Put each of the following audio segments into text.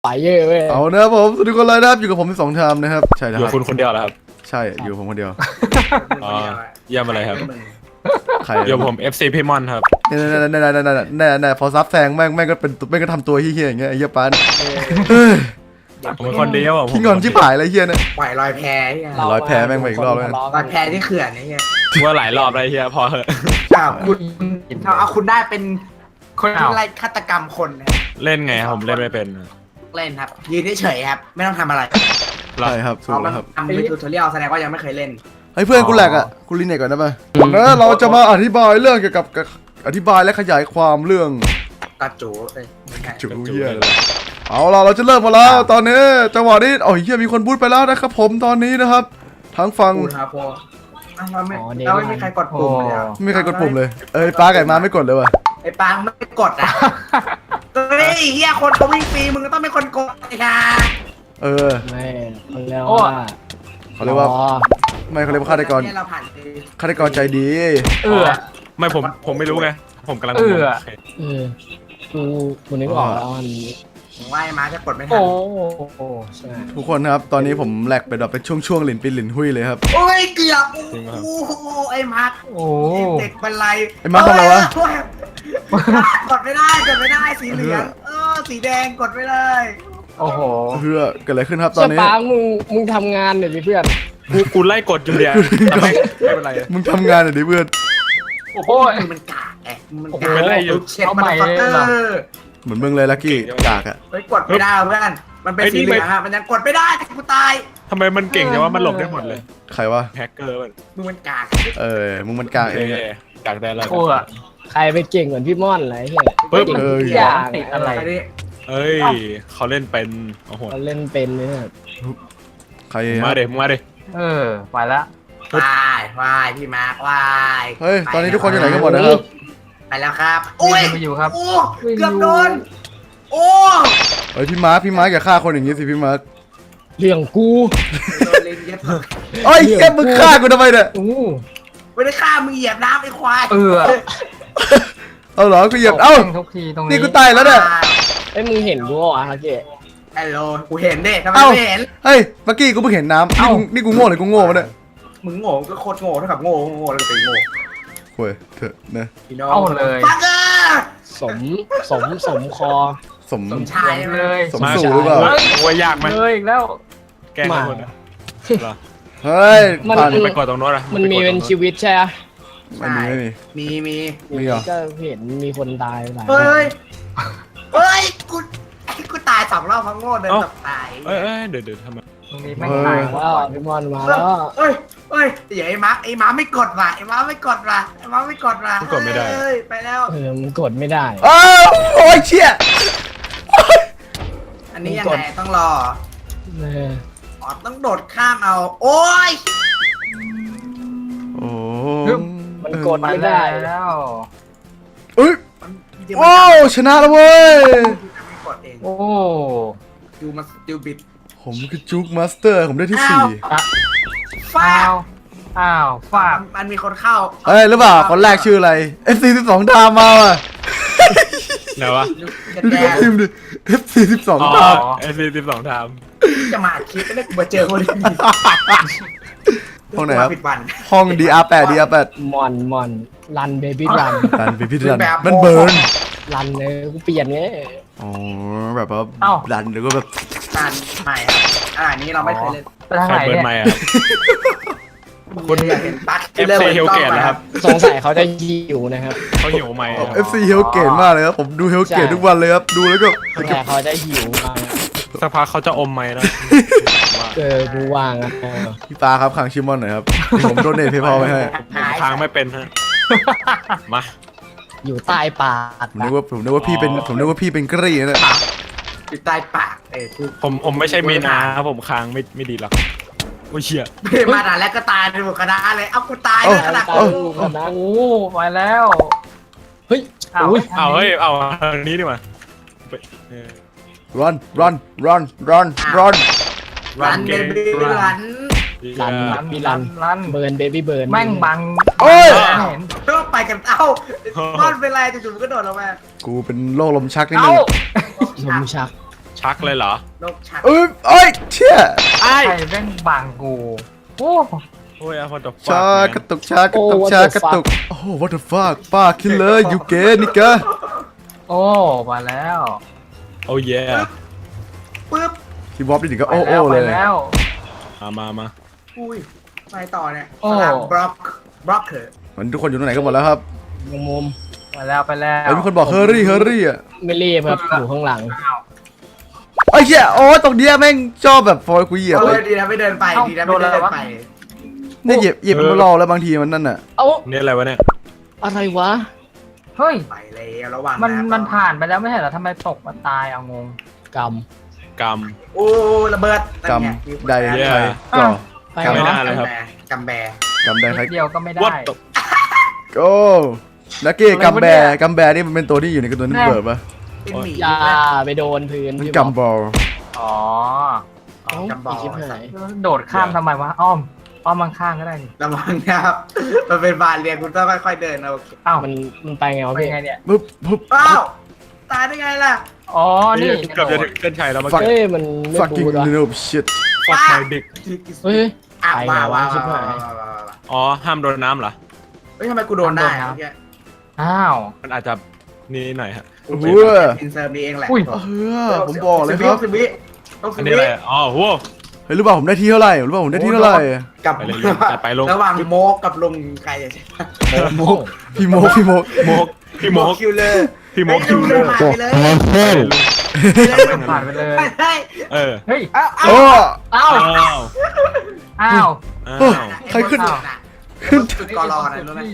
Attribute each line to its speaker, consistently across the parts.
Speaker 1: ไหวเยอะเว้ย
Speaker 2: เอานะครับผมสวัสดีคนเลยนะครับอยู่กับผม2 ชามนะครับใช่ค
Speaker 3: อยู่
Speaker 2: รับ
Speaker 3: คุณคนเดียวเหรอครับ
Speaker 2: ใช่อยู่ผมคนเดียว
Speaker 3: อ๋อเยี่ยมอะไรครับ
Speaker 2: ใคร
Speaker 3: อยู่ผม FC พี่มอนครับ
Speaker 2: เนี่ยพอซับแซงแม่งก็เป็นแม่งก็ทำตัวเฮี้ยๆอย่างเงี้ยไอ้เหี้ยปาน
Speaker 3: ผมเป็นคนเดียวผม
Speaker 2: ขี้งอนชิบหายอะไรเฮี้ยเนี่ย
Speaker 4: ปล่อยลอยแพเนี่ย
Speaker 2: ร้อยแพ้แม่งไปอีกรอบเลย
Speaker 4: ลอยแพที่เขื่อนนี่ไง
Speaker 3: ว่าหลายรอบอะไรเฮียพอเหอะ
Speaker 4: อ้าวคุณเอาคุณได้เป็นคนที่ไล่ฆาตกรรมคนนะ
Speaker 3: เล่นไงผมเล่นไม่เป็น
Speaker 4: เล่นครับยืนเฉยๆครับไม่ต้องทำอะไร
Speaker 2: ใช่ครับถูกแล้วครับ
Speaker 4: ทำเป็นทูทอเรียลแสดงว่ายังไม่เคยเล่น
Speaker 2: เฮ้ยเพื่อนกูแหลกอ่ะกูรีเน็ตก่อนได้ป่ะแล้วเราจะมาอธิบายเรื่องเกี่ยวกับอธิบายและขยายความเรื่อง
Speaker 4: กระจูไม่ใช่
Speaker 2: จุเหี้ยเลยเอาล่ะเราจะเริ่มมาแล้วตอนนี้จังหวะนี้โอ้ยเฮี้ยมีคนบูทไปแล้วนะครับผมตอนนี้นะครับทั้งฝั่ง
Speaker 4: พูดครับพอเราไม่มีใครกดปุ่มเลย
Speaker 2: ไม่มีใครกดปุ่มเลยเอ้ยป้าไก่มาไม่กดเลยว่ะ
Speaker 4: ไอ้ปางไม่กดอ่ะเฮ้ยเฮียคนเขาวิ่งฟรีมึงก็ต้องเป็นคนกดไอ้ค่ะ
Speaker 2: เออ
Speaker 1: ไม่เขาเรียกว่า
Speaker 2: เขาเรียกว่าไม่เขาเรียกว่าฆาตกร
Speaker 4: เราผ่านไป
Speaker 2: ฆาตกรใจดี
Speaker 3: ไม่ผมไม่รู้ไงผมกำลัง
Speaker 1: เออกูนึกออกแล้วมัน
Speaker 4: ผมว่าไอ้มาจะกดไม่ทัน
Speaker 1: โอ้ใช่
Speaker 2: ทุกคนครับตอนนี้ผมแหลกไปแบบเป็นช่วงๆหลินปินหลินหุยเลยครับ
Speaker 4: โอ้ยเกือบโอ้โหไอ้มาร์ค
Speaker 1: โอ้
Speaker 4: เด็กบันไล
Speaker 2: ไอ้มาร์คทำอะไรวะ
Speaker 4: กดไม่ได้สีเหลืองสีแดงกดไม่ได้
Speaker 1: โอ้โห
Speaker 2: เพื่อเกิดอะไรขึ้นครับตอ
Speaker 1: เชื่
Speaker 2: น
Speaker 1: อ
Speaker 2: นี้
Speaker 1: ป้ามึงทำงานเดี๋ยวเพื่อน
Speaker 3: กูไล่กดอยู่เดียวแต่ไม่เป็นไร
Speaker 2: มึงทำงานหน่อยดิเพื่อน
Speaker 1: โอ้โห
Speaker 4: มันกากมัน
Speaker 1: โอ้โห
Speaker 4: กาก
Speaker 3: เป็นไรอยู่
Speaker 4: เช็ดมันฟักเกอร์
Speaker 2: เหมือนมึงเลยลักกี้กากอะ
Speaker 4: เฮ้ยกดไม่ได้เพื่อนมันเป็นสีเหลืองมันยังกดไม่ได้กูตาย
Speaker 3: ทำไมมันเก่งจังว่ามันหลบได้หมดเลย
Speaker 2: ใครวะ
Speaker 3: แฮกเกอร์มัน
Speaker 4: มึงมันกาก
Speaker 2: มึงมันกากเองอะ
Speaker 3: กากได้แล้ว
Speaker 1: โอ้อะใครไปเก่งเหมือนพี่ม่อนอะไรเงี้ย
Speaker 3: ปึ๊บ
Speaker 1: เก่ง
Speaker 2: เออ
Speaker 1: ทุกอย่างอะไร
Speaker 3: เอ้ยเขาเล่นเป็นโอ้โห
Speaker 1: เขาเล่นเป็นเนี่ย
Speaker 2: ใคร
Speaker 3: มาเด็มาเด็
Speaker 1: ไปละ
Speaker 4: วายพี่มาร์ควาย
Speaker 2: เฮ้ยตอนนี้ทุกคนอยู่ไหนกันหมดนะครับ
Speaker 4: ไปแล้วครับโอ้ยโอ้เกือบโดนโอ้
Speaker 2: เฮ้ยพี่มาร์คอย่าฆ่าคนอย่างงี้สิพี่มาร์ค
Speaker 1: เรื่องกู
Speaker 4: โดนลิงเย็บ
Speaker 2: เอ้ยแกมึงฆ่ากูทำไมเนี่ย
Speaker 1: โอ้
Speaker 4: ไม่ได้ฆ่ามึงเหยียบน้ำไอ้ควาย
Speaker 2: เอาเหรอกูเหยียบเอ้า
Speaker 1: ทุกทีตรง
Speaker 2: นี่กูตายแล้วเนี่ย
Speaker 1: ไอ้มึงเห็นกูอ่ะฮะเจ๊
Speaker 4: ฮัลโหลกูเห็นดิทำไม
Speaker 2: เอ้า
Speaker 4: ไม่เห็น
Speaker 2: เฮ้ยเมื่อกี้กูเพิ่งเห็นน้ำนี่กูโง่เลยกูโง่มาเนี่ย
Speaker 4: มึงโง่ก็โคตรโง่เท่ากับโง่แล้วเป็นโง่
Speaker 2: โว้ยเถอะนะ
Speaker 4: พี่น้องเอาเลยฟักเกอร์
Speaker 1: สมคอ
Speaker 2: สม
Speaker 4: สมชายเลย
Speaker 2: สมสู่หรือเปล่า
Speaker 3: โอ้ยยากไหม
Speaker 1: เลยอีกแล้ว
Speaker 3: แกล้งคนนะ
Speaker 2: เฮ้ย
Speaker 1: มัน
Speaker 2: ผ่าน
Speaker 3: ไปกดตรงโน้นอะ
Speaker 1: มันมีเป็นชีวิตใช่ไหม
Speaker 2: ไม่มี
Speaker 4: มี
Speaker 2: เหรอ
Speaker 1: ก็เห็นมีคนตายหลาย
Speaker 4: เฮ้ยกูตาย2 รอบเพราะโง่เดินตกตาย
Speaker 3: เอ้ยเดี๋ยวทำไม
Speaker 1: ตรงนี้ไม่ตายแล้วพี่มอนมาแล้ว
Speaker 4: เฮ้ยอย่าไอ้มาไม่กดว่ะไอ้มาไม่กดว่ะไปแล้ว
Speaker 1: มันกดไม่ได้
Speaker 2: อ้าวโอ้ยเชี่ย
Speaker 4: อันนี้ยังไงต้องรอ
Speaker 1: เออ
Speaker 4: ต้องโดดข้ามเอาโอ้ย
Speaker 2: โอ้
Speaker 1: มันกดไม่ได้แล้ว
Speaker 2: เอ้ยว้าวชนะแล้วเว้ย
Speaker 4: ไม่กดเอง
Speaker 1: โอ้
Speaker 4: ดูมาดูบิด
Speaker 2: ผมคือจุกมาสเตอร์ผมได้ที่
Speaker 4: ฟ้า
Speaker 1: ฝาก
Speaker 4: มันมีคนเข้า
Speaker 2: 4เอ้ยหรือเปล่าคนแรกชื่ออะไร FC12 ดามมาว่ะ
Speaker 3: ไหนวะ
Speaker 2: ดูดิทีมดิ FC12
Speaker 3: อ๋อ
Speaker 2: ดาม
Speaker 3: 12ท
Speaker 4: จะมาคิดไม่ได้กูมาเจอคนนี้
Speaker 2: ห้องไหนครับ
Speaker 4: ผิดวัน
Speaker 2: ห้อง DR8
Speaker 1: มอนรันเบบี้รัน
Speaker 2: ดันไปพิจารณามันเบิร์น
Speaker 1: รันเลยกูเปลี่ยนไง
Speaker 2: อ๋อแบบว่าดันแล้วก็แบบ
Speaker 4: การใหม่นี้เราไม่เคยเล่น
Speaker 3: ำใครเปิดไมค์อะ
Speaker 4: คุณอยากเห็นปัก
Speaker 3: FC Hellgate นะครับ
Speaker 1: สงสัยเขาจะหิวนะครับ
Speaker 3: เขาหิวไมค์
Speaker 2: FC Hellgate มากเลยครับผมดู Hellgate ทุกวันเลยครับดูแล้วก็
Speaker 1: แต่เขาจะหิวมา
Speaker 3: สักพักเขาจะอมไมค์นะ
Speaker 1: กูว่างอ่ะ
Speaker 2: พี่ปาครับขังชิมอนหน่อยครับผมโดนเนทเพย์พอไปให้
Speaker 3: ค้างไม่เป็นฮะมา
Speaker 1: อยู่ใต้ปาก
Speaker 2: ผมนึกว่าพี่เป็นกรีนะ
Speaker 4: อยู่ใต้ปาก
Speaker 3: ผมไม่ใช่มีนาผมค้างไม่ดีหรอกโอ้ยเชี่ย
Speaker 4: มาด่าแล้วก็ตายในหมดคณะเลยเอากูตายเลยขนาด
Speaker 1: โอ้ไปแล้วเฮ้ย
Speaker 3: เอาเฮ้ยเอาทางนี้ดีกว่า
Speaker 2: run
Speaker 4: รันเบบี้รัน
Speaker 1: รันเบิร์นเบบี้เบิร์นแม่งบัง
Speaker 2: โอ้ย
Speaker 4: ก็ไปกันเอ้าก้อนเป็นไรจู่ๆก็โดดลงมา
Speaker 2: กูเป็นโรคลมชักนิดนึง
Speaker 1: ลมชัก
Speaker 3: ชักเลยเหรอน
Speaker 4: กชัก
Speaker 2: เอ้ยเชี่ย
Speaker 3: ไอ้
Speaker 5: ใครแม่งบังกูโอ้
Speaker 3: โอ้ยพอด
Speaker 2: ชากระตุกชากระตุกชากระตุกโอ้ what the fuck ป้าคิดเลยยูเกนิกะ
Speaker 5: โอ้มาแล้ว
Speaker 3: โอ้ย
Speaker 4: ปึ๊บ
Speaker 2: คีย์บอร์ดนี่ก็
Speaker 5: ไป
Speaker 2: โอ้
Speaker 5: แล้ว
Speaker 2: เล
Speaker 5: ไป
Speaker 2: ย
Speaker 5: แล้ว
Speaker 3: มา
Speaker 4: อุ้ยไปต่อเนี่ย
Speaker 5: โอ้
Speaker 4: สลับบล็อกเถอะ
Speaker 2: มันทุกคนอยู่ตรงไหนกันหมดแล้วครับ
Speaker 1: มุม
Speaker 5: ไปแล้วไปแล้ว
Speaker 2: เฮ้ยมีคนบอกเฮอรี่อ่ะ
Speaker 1: ไม่รีบครับอยู่ข้างหลัง
Speaker 2: ไอ้เหี้ยโอ้ตรงเนี้ยแม่งชอบแบบฟอยกูเหยียบ
Speaker 4: เอา
Speaker 2: เล
Speaker 4: เลย ยดีนะไม่เดินไปดีนะไม่เดินไป
Speaker 2: เนี่ยเหยียบมันรอแล้วบางทีมันนั่นน่ะ
Speaker 1: เอ้า
Speaker 3: นี่อะไรวะเนี่ย
Speaker 1: อะไรวะ
Speaker 5: เฮ้ย
Speaker 4: ไปแล้วระวัง
Speaker 5: มันผ่านไปแล้วไม่ใช่เหรอทำไมตกมาตายเอางง
Speaker 1: กรรม
Speaker 3: กรรม
Speaker 4: โอ้ระเบิด
Speaker 2: กำใดใครก่อ
Speaker 1: ไป
Speaker 3: ไม่
Speaker 1: เนาะ
Speaker 3: น่าเลยครับ
Speaker 4: กำแบ
Speaker 2: กำใดใคร
Speaker 5: นิดเดียวก็ไม่ได้
Speaker 3: What the
Speaker 2: โก้นักเก้กัมแบร์กัมแบร์นี่มันเป็นตัวที่อยู่ในการ์ตูนที่เบิร์ดปะ
Speaker 4: เป็นหมี
Speaker 1: อย่าไปโดนพื้น
Speaker 2: มัน
Speaker 1: พี่
Speaker 2: กัมบอล
Speaker 5: อ๋อ
Speaker 1: เอ้า
Speaker 4: กัมบอล
Speaker 1: อีกชิบหาย
Speaker 5: โดดข้ามทำไมวะอ้อมข้างก็ได้นี่
Speaker 4: ระวังนะครับมันเป็นบานเรียนคุณต้องค่อยๆเดินนะโอเค
Speaker 5: อ้าว
Speaker 1: มันไปไงวะ
Speaker 5: เป็น
Speaker 1: พี่
Speaker 5: ไงเนี่ย
Speaker 2: ปุ๊บ
Speaker 4: อ้าวตายได้ไงล่ะ
Speaker 5: อ๋อนี่
Speaker 3: เกือบจะถึงเส้นชัยแล้วเมื่อ
Speaker 2: Fuck
Speaker 3: กี้
Speaker 1: เฮ้ยมันไม่
Speaker 2: fucking
Speaker 1: บูดวะ
Speaker 2: noob shit
Speaker 3: ฟักไมเด็ก
Speaker 1: เฮ้ย
Speaker 4: อ้าว
Speaker 1: ไปไง
Speaker 4: ว้าว
Speaker 1: วะ
Speaker 4: ว้าว
Speaker 1: ชิบหาย
Speaker 3: อ๋อห้ามโดนน้ำเหรอ
Speaker 4: เฮ้ยทำไมกูโดนได้เมื่อกี้
Speaker 5: อ้าว
Speaker 3: มันอาจจะนี่หน่อยฮะ
Speaker 2: โอ้โห
Speaker 4: อินเสิร์ฟนี่เองแหละ
Speaker 5: อุ้ย
Speaker 2: เออผมบอกเลยครับ
Speaker 4: สิบวิต้อง
Speaker 3: อั
Speaker 4: สิ
Speaker 3: น
Speaker 4: บ
Speaker 3: นี้
Speaker 4: วิ
Speaker 3: อะไรอ๋อโห
Speaker 2: เฮ้ยรู้ป่าวผมได้ที่เท่าไหร่รู้ป่าวผมได้ที่เท่าไหร่
Speaker 4: กับ
Speaker 3: ไปเลยลุงจัดไปลุง
Speaker 4: ระหว่างโมกกับลุงใครจะใช่
Speaker 2: พี่โมก
Speaker 3: โมกพี่โมก
Speaker 4: คิวเลอร์
Speaker 3: พี่โมกคิวเลอร์
Speaker 4: ผ่านไปเลย
Speaker 5: ผ่านไปเลย
Speaker 4: เฮ้ย
Speaker 3: เออ
Speaker 5: เฮ้ย
Speaker 4: เอา
Speaker 2: โอ้
Speaker 5: อ้าว
Speaker 3: อ้าว
Speaker 5: อ้าว
Speaker 3: อ้า
Speaker 2: โอ้
Speaker 3: ว
Speaker 2: ใครขึ้น
Speaker 4: ขึ้นจุดกอรอนะรู้ไหม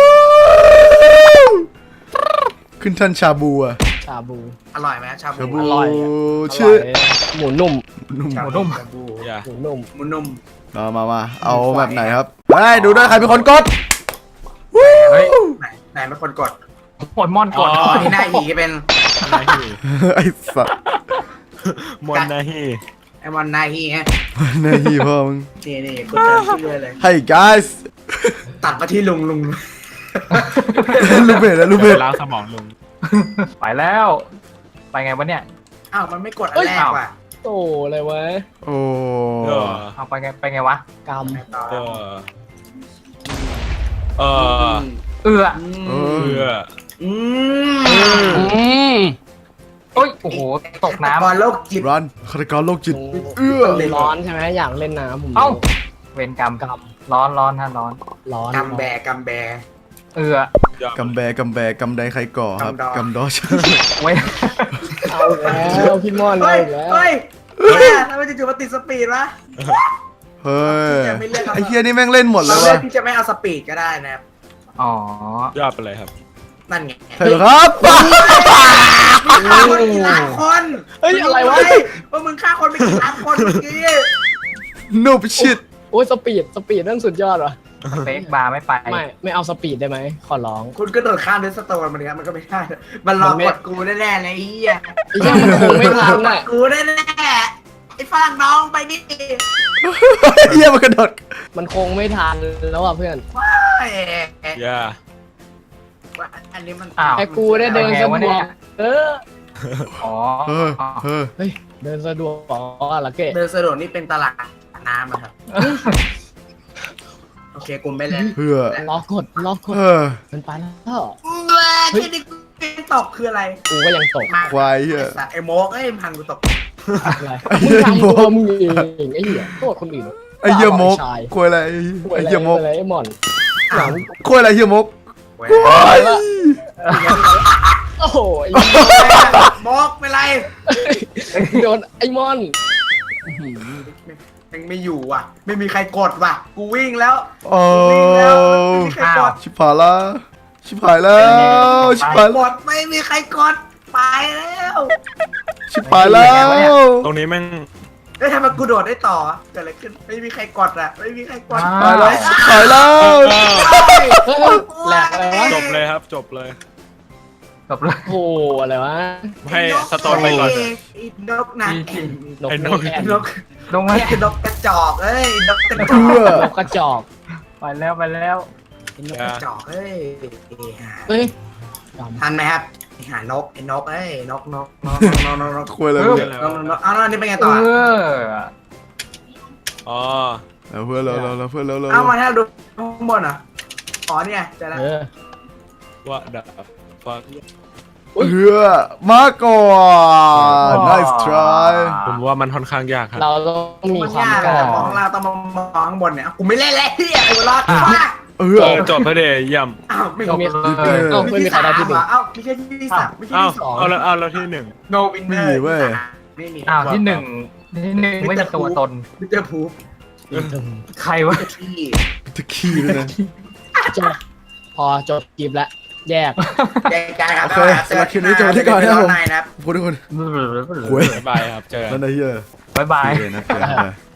Speaker 2: ขึ้นท่านชาบูอะ
Speaker 1: ชาบู
Speaker 4: อร่อยไหมชา
Speaker 2: ชา
Speaker 4: บู
Speaker 2: บู
Speaker 1: อร่อยอะ
Speaker 2: ชื่อ
Speaker 1: ร่ยหมูนุ่ม
Speaker 2: นุ่ม
Speaker 4: ชาบูชาบู
Speaker 3: อย่า
Speaker 1: หมูนุ่ม
Speaker 4: หมูนุ่ม
Speaker 2: มาเอาแบบไหนครับได้ดูด้วยใครเป็นคนกด
Speaker 5: เฮ้ย
Speaker 4: ไหนเป็นคนกด
Speaker 5: โปเกมอนกด
Speaker 4: อ๋อนี่หน้าหีเป็น
Speaker 3: นาฮี
Speaker 2: ไอ้สัตว์
Speaker 3: มอนนาฮี
Speaker 4: ไอมอนหน้าหีฮะ
Speaker 2: หนาฮีพ่อมึง
Speaker 4: นี่กดเติมชื่อเลย
Speaker 2: Hey guys
Speaker 4: ตัดมาที่ลุง
Speaker 2: ลูกเบสแล้วลูกเบส
Speaker 3: ล้างสมองลุง
Speaker 5: ไปแล้ว ไปไงวะเนี่ย
Speaker 4: อ้าวมันไม่กดอันแรกว่ะ
Speaker 1: โตอะไรวะ
Speaker 2: โอ้
Speaker 3: เออ
Speaker 5: เอาไปไงวะ
Speaker 1: กรรม
Speaker 4: ต่อ
Speaker 3: เออเออ
Speaker 5: เอื้อ
Speaker 2: เอ
Speaker 3: เพื่อ
Speaker 4: อืม
Speaker 5: โอ้ยโอ้โหตกน้ำ
Speaker 4: บอลโลกจิต
Speaker 2: รันฆาตกรโรคจิต เอื้อ
Speaker 1: ร้อนใช่ไหมอยากเล่นน้ำผม
Speaker 5: เอ้า เวรกรรมร้อนฮะร้อน
Speaker 1: ร้อน
Speaker 4: กำแบก
Speaker 5: เอื้อก
Speaker 2: ำแบกำใดใครก่อครับกำดอช
Speaker 5: เว้ย
Speaker 1: เอาแล้วพี่ม่อน
Speaker 4: เฮ้
Speaker 1: เอา
Speaker 4: ย
Speaker 1: อีกแล้ว
Speaker 4: เฮ้ยทำไมจู่ๆมาติดสปีดวะ
Speaker 2: เฮ้ยไอ้เฮียนี่แม่งเล่นหมดเล
Speaker 4: เรา
Speaker 2: ย
Speaker 4: เลือ
Speaker 2: วะ
Speaker 4: กที่จะไม่เอาสปีดก็ได้นะครับ
Speaker 5: อ๋อย
Speaker 3: อดไปเลยครับ
Speaker 4: นั่นไง
Speaker 2: ใช่เหรอครับ
Speaker 4: ฆ่าคนกี่ล้านคน
Speaker 1: เฮ้ยอะไรวะ
Speaker 4: ว่ามึงฆ่าคนไปกี่ล้านคนเมื่อกี้
Speaker 2: นูบชิด
Speaker 1: โอ้ยสปีดนั่นสุดยอดว่ะ
Speaker 5: สเปกบาร์ไม่ไป
Speaker 1: ไม่เอาสปีดได้ไหมขอร้อง
Speaker 4: คุณก็โดดข้ามเดสโตนมันเนี่ยมันก็ไม่ได้มันรอกดกูแน่ๆเลยไอ้เหี้ย
Speaker 1: ไอ้เหี้ยมันคงไม่ทันน่ะ
Speaker 4: กูแน่ๆไอ้ฝรั่งน้องไปดิ
Speaker 2: เฮียมันกระโดด
Speaker 1: มันคงไม่ทันแล้วอ่ะเพื่อน
Speaker 3: อย่า
Speaker 4: อันนี้มัน
Speaker 5: อ้าว
Speaker 1: ไอ้กูได้เดินสะดวกเออ
Speaker 5: อ๋อ
Speaker 2: เออ
Speaker 1: เฮ้ยเดินสะดวกอ๋อละเกะ
Speaker 4: เดินสะดวกนี่เป็นตลาดน้ำอะครับโอเคกูไม่เล่น
Speaker 2: เพื่อ
Speaker 1: ล็อกกดมันไปแล้ว
Speaker 4: เฮ้ยที่ตกคืออะไร
Speaker 1: กูก็ยังตก
Speaker 4: มา
Speaker 2: ควายเฮีย
Speaker 4: ไอ้โมกเอ้ยพังกูตก
Speaker 1: อะไรมึงทำตัวมึงเองไอ้เหี้ยโทษคนอื่น
Speaker 2: ไอ้เฮียมกควายอะไรไอ้เฮียมก
Speaker 1: อะไรไอ้หมอน
Speaker 4: อ้าว
Speaker 2: ควายอะไรเฮียมก
Speaker 4: เว้ย
Speaker 2: ควาย
Speaker 1: โอ้โห
Speaker 4: โมกเป็นไร
Speaker 1: โดนไอ้มอน
Speaker 4: ยังไม่อยู่ว่ะ ไม่มีใครกดว่ะ กูวิ่งแล้ว
Speaker 2: โอ้
Speaker 4: วิ่งแล้วไม่มีใครกด
Speaker 2: ชิบหายละชิบหายแล้วชิบหาย
Speaker 4: กดไม่มีใครกดไปแล้ว
Speaker 2: ชิบหายแล้ว
Speaker 3: ตรงนี้แม่ง
Speaker 4: เอ้ยทำไมกูโดดได้ต่อเกิดอะไรขึ้นไม่มีใครกดอ่ะไม่มีใครกด
Speaker 2: ตายแล้วชิบหายแล้ว
Speaker 1: แหลกอะไรวะ
Speaker 3: จบเลยครับจบเลย
Speaker 5: จบเลย
Speaker 1: โอ้อะไรวะ
Speaker 3: ให้สโตนไปก่อนเถอะ
Speaker 4: ไอ้นกนะ
Speaker 1: นก
Speaker 3: ไอ้นก
Speaker 1: แอน
Speaker 4: นก
Speaker 5: ลงมา
Speaker 4: นกกระจอกเอ้ยนกกระจ
Speaker 2: เพื่
Speaker 4: อก
Speaker 2: อ
Speaker 1: นกกระจอก
Speaker 5: ไปแล้ว
Speaker 1: นก
Speaker 4: กระจอกเอ้ย
Speaker 1: เฮ้ย
Speaker 4: ทันไหมครับหานกไอ้นกเอ้ยนก
Speaker 2: คุยอะไร
Speaker 5: เออ
Speaker 2: เนี่ย
Speaker 4: เอาแล้วนี่เป็นไงต่อ
Speaker 3: อ๋อ
Speaker 2: เอาเพื่อนเราเพื่อนเรา
Speaker 4: เอามาให้ดูข้างบนอ่ะอ๋อเนี่ยจะได้
Speaker 3: ว่าดับฟัง
Speaker 2: เพื่อมาก่อน nice try
Speaker 3: ผมว่ามันค่อนข้างยากครับ
Speaker 1: เราต้องมี
Speaker 4: มัน
Speaker 1: ความ
Speaker 4: ยาก
Speaker 1: กล้า
Speaker 4: อะมองเราต้องมองข้างบนเนี่ยกูไม่เล่นแล้วที่ไอ้รอดมาก
Speaker 3: จบไปเดยย่ำ
Speaker 4: อ้าวไม่
Speaker 1: ต้องมี
Speaker 4: มี
Speaker 1: ต้องไม่มีใครได้ที่หนึ่ง
Speaker 4: อ้าวไม่ใช่ที่สามไม่ใช่
Speaker 3: อ้าว
Speaker 4: ที่สอง
Speaker 3: เอาแล้วที่หนึ่ง
Speaker 4: no winner ไม่มี
Speaker 5: อ้าวที่หนึ่งไม่มีตัวตน
Speaker 4: มิสเตอร์พูฟ
Speaker 5: ใครวะ
Speaker 4: ที่
Speaker 2: ตะขี้ด้วยนะ
Speaker 1: จบพอจบคลิปแล้วแยก
Speaker 4: แยกกันครับ
Speaker 2: โอเคสำหรับคลิปนี้จบที่ก่อนนะครับผม
Speaker 4: นะครับ
Speaker 2: ขอบคุณทุกคน
Speaker 3: บ๊ายบายครับเจอกัน
Speaker 2: นั่นไอ้เหี้ย
Speaker 5: บ๊ายบาย
Speaker 2: โอเคนะเจอกัน